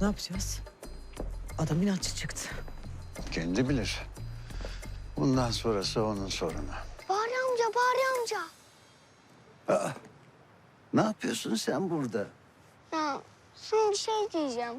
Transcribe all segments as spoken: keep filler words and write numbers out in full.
Ne yapacağız? Adam inatçı çıktı. Kendi bilir. Bundan sonrası onun sorunu. Bahri amca, Bahri amca. Aa, ne yapıyorsun sen burada? Ya sana bir şey diyeceğim.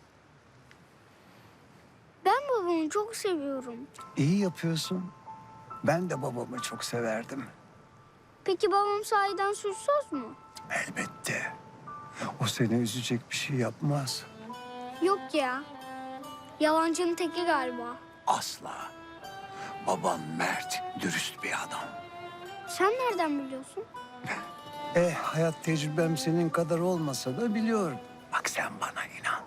Ben babamı çok seviyorum. İyi yapıyorsun. Ben de babamı çok severdim. Peki babam sahiden suçsuz mu? Elbette. O seni üzecek bir şey yapmaz. Yok ya. Yalancının teki galiba. Asla. Baban mert, dürüst bir adam. Sen nereden biliyorsun? Eh, hayat tecrübem senin kadar olmasa da biliyorum. Bak sen bana inan.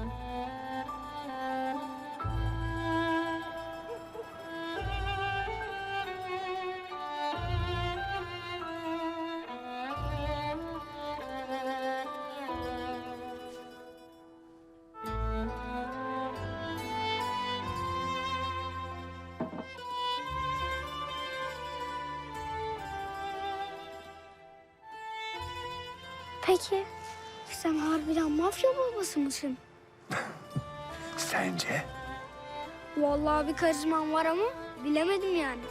Peki sen harbiden mafya babası mısın? Sence? Vallahi bir karizman var ama bilemedim yani.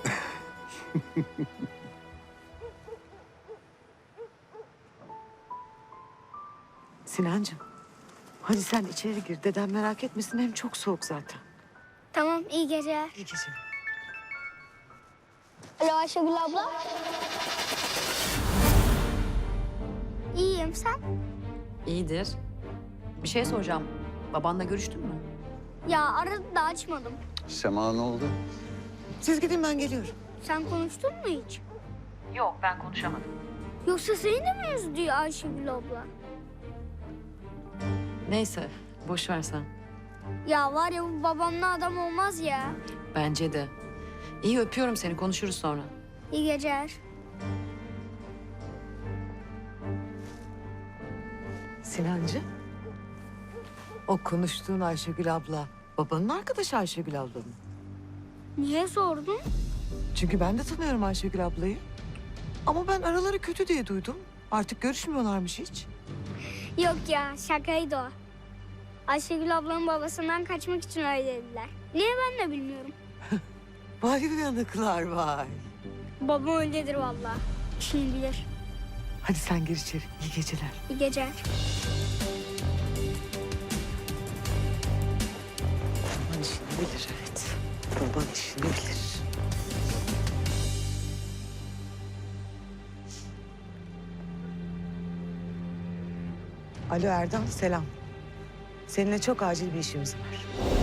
Sinancığım, hadi sen içeri gir. Dedem merak etmesin, hem çok soğuk zaten. Tamam, iyi geceler. İyi geceler. Alo Ayşegül abla. İyiyim, sen? İyidir. Bir şey soracağım. Babanla görüştün mü? Ya aradı da açmadım. Sema ne oldu? Siz gidin, ben geliyorum. Sen konuştun mu hiç? Yok, ben konuşamadım. Yoksa seni de mi üzdü Ayşegül abla? Neyse, boş ver sen. Ya var ya bu babamla adam olmaz ya. Bence de. İyi, öpüyorum seni. Konuşuruz sonra. İyi geceler. Sinancığım, o konuştuğun Ayşegül abla, babanın arkadaşı Ayşegül abla mı? Niye sordun? Çünkü ben de tanıyorum Ayşegül ablayı. Ama ben araları kötü diye duydum. Artık görüşmüyorlarmış hiç. Yok ya şakaydı o. Ayşegül ablanın babasından kaçmak için öyle dediler. Niye ben de bilmiyorum. Vay uyanıklar vay. Babam öyledir vallahi. Kim bilir. Hadi sen gir içeri. İyi geceler. İyi geceler. Baban işini bilir, evet. Baban işini bilir. Alo Erdal, selam. Seninle çok acil bir işimiz var.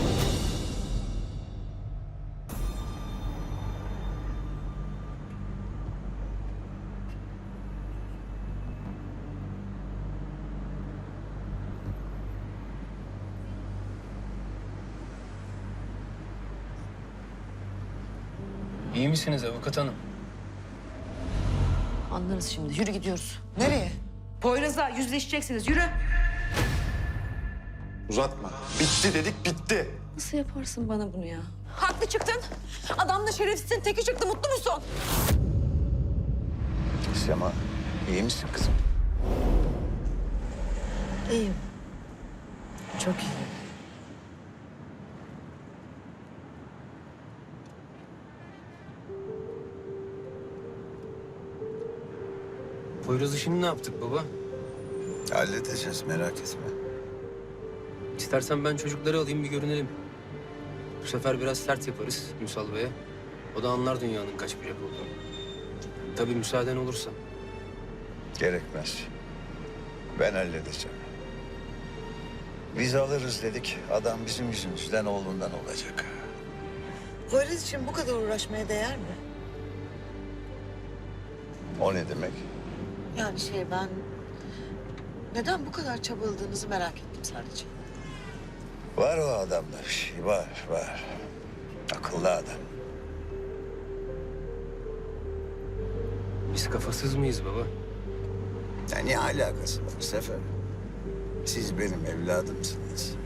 İyi misiniz avukat hanım? Anlarız şimdi. Yürü gidiyoruz. Nereye? Poyraz'la yüzleşeceksiniz. Yürü. Uzatma. Bitti dedik, bitti. Nasıl yaparsın bana bunu ya? Haklı çıktın. Adam da şerefsizin teki çıktı. Mutlu musun? Sema, iyi misin kızım? İyiyim. Çok iyi. Poyraz'ı şimdi ne yaptık baba? Halledeceğiz, merak etme. İstersen ben çocukları alayım bir görünelim. Bu sefer biraz sert yaparız Müsal Bey'e. O da anlar dünyanın kaç bucak olduğunu. Tabii müsaaden olursa. Gerekmez. Ben halledeceğim. Biz alırız dedik. Adam bizim yüzümüzden oğlundan olacak. Poyraz için bu kadar uğraşmaya değer mi? O ne demek? Yani şey ben... Neden bu kadar çabaladığınızı merak ettim sadece. Var o adamda bir şey, var, var. Akıllı adam. Biz kafasız mıyız baba? Ya ne alakası var Sefer? Siz benim evladımsınız.